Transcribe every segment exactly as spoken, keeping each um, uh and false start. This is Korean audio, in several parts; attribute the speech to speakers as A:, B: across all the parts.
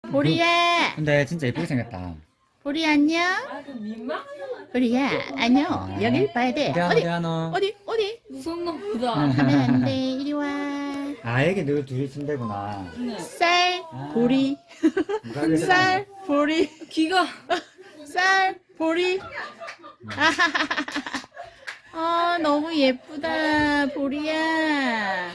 A: 보리야,
B: 근데 진짜 예쁘게 생겼다.
A: 보리 안녕. 보리야, 안녕. 여길 봐야 돼.
B: 어디 하노,
A: 어디,
B: 어디 하노?
A: 어디, 어디?
C: 무섭나 보다.
A: 하면 안 돼. 이리 와.
B: 아, 이게 늘 둘이 쓴대구나.
A: 쌀,
B: 아.
A: 보리.
B: 누가 그랬어?
A: 쌀, 보리.
C: 귀가
A: 쌀, 보리. 아, 너무 예쁘다, 보리야.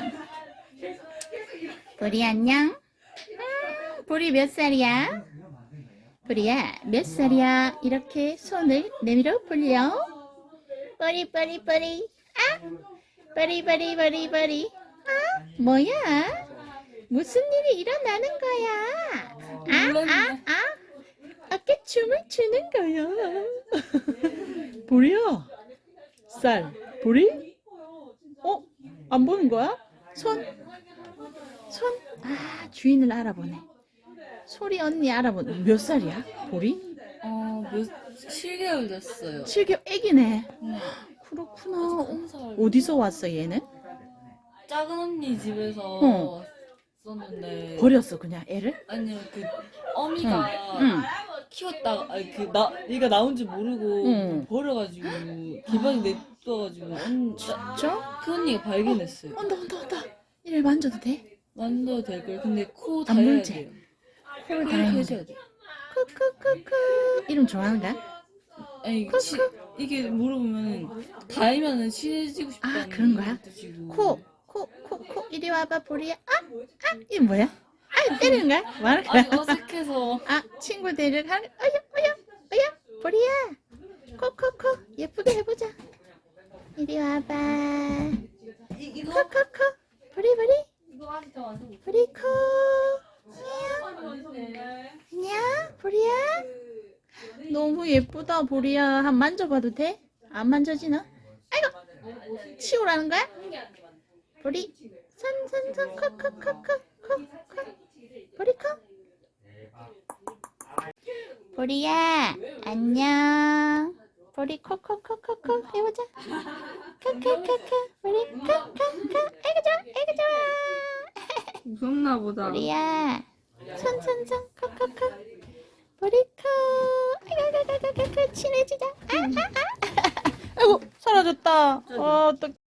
A: 보리 안녕. 음, 보리 몇 살이야? 보리야, 몇 살이야? 이렇게 손을 내밀어 볼려. 보리, 보리, 보리. 아, 보리, 보리, 보리, 보리. 아, 뭐야? 무슨 일이 일어나는 거야? 아, 아, 아. 어깨 춤을 추는 거야. 보리야, 쌀, 보리? 어? 안 보는 거야? 손? 손? 아, 주인을 알아보네. 소리 언니 알아보네. 몇 살이야? 보리?
C: 어몇 칠 개월 됐어요.
A: 칠 개월 애기네.
C: 네.
A: 그렇구나.
C: 한 살.
A: 어디서 왔어 얘는?
C: 작은 언니 집에서
A: 어.
C: 왔었는데
A: 버렸어 그냥 애를?
C: 아니요 그 어미가
A: 응.
C: 키웠다가 아니 그나 얘가 나온 줄 모르고
A: 응.
C: 버려가지고 기반이 냅둬가지고 언,
A: 진짜?
C: 그 언니가 발견했어요.
A: 온다 온다 온다. 이를 만져도 돼?
C: 만져도 될 걸. 근데 코
A: 안
C: 달아야
A: 물지?
C: 돼요.
A: 코를
C: 이렇게
A: 달아야
C: 해줘야
A: 돼.
C: 돼.
A: 크크크크. 이름 좋아하는가?
C: 아니 치, 이게 물어보면 닿으면은 친해지고 싶다는
A: 아, 그런 거야?
C: 뜻이고.
A: 코, 코, 코, 코. 이리 와봐 보리야. 아, 아, 이게 뭐야? 아, 때리는 거야? 뭐 하는 거야?
C: 아니 어색해서.
A: 아, 친구들을 하는, 어여, 어여, 어여, 보리야. 코, 코, 코. 예쁘게 해보자. 이리 와봐. 코, 코, 코. 보리, 보리. 보리, 코. 안녕. 안녕, 보리야. 너무 예쁘다, 보리야. 한 만져봐도 돼? 안 만져지나? 아이고, 치우라는 거야? 보리, 손, 손, 손, 코, 코, 코, 코, 코, 코. 보리, 코. 보리야, 안녕. 보리, 코, 코, 코, 코, 코. 해보자. 코, 코, 코, 코. 보리, 코, 코, 코. 아이고, 좋아, 아이고, 좋아.
C: 무섭나 보다.
A: 보리야, 손, 손, 손, 코, 코, 코. 보리, 코. 아이고, 아이고, 아이고, 아이고, 친해지자. 아, 아, 아. 아이고, 사라졌다. 어, 또.